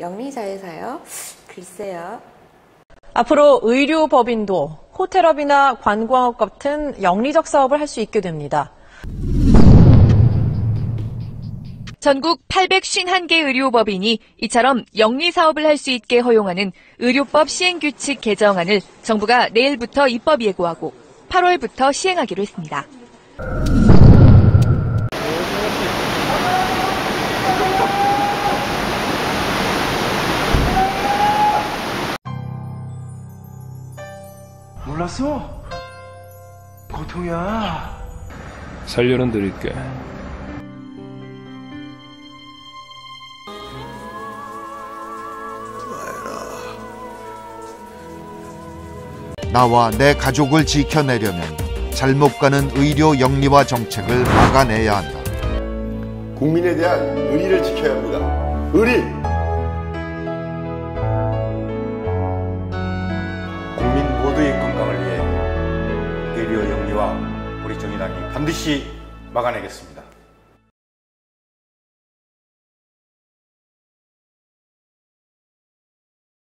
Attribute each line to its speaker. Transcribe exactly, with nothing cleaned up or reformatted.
Speaker 1: 영리자회사요? 글쎄요.
Speaker 2: 앞으로 의료법인도 호텔업이나 관광업 같은 영리적 사업을 할 수 있게 됩니다.
Speaker 3: 전국 팔백오십일 개 의료법인이 이처럼 영리사업을 할 수 있게 허용하는 의료법 시행규칙 개정안을 정부가 내일부터 입법 예고하고 팔월부터 시행하기로 했습니다.
Speaker 4: 몰랐어? 고통이야.
Speaker 5: 살려는 드릴게.
Speaker 6: 나와 내 가족을 지켜내려면 잘못 가는 의료 영리화 정책을 막아내야 한다.
Speaker 7: 국민에 대한 의리를 지켜야 합니다. 의리!
Speaker 8: 국민 모두의 건강을 위해 의료 영리화 우리 정의당이 반드시 막아내겠습니다.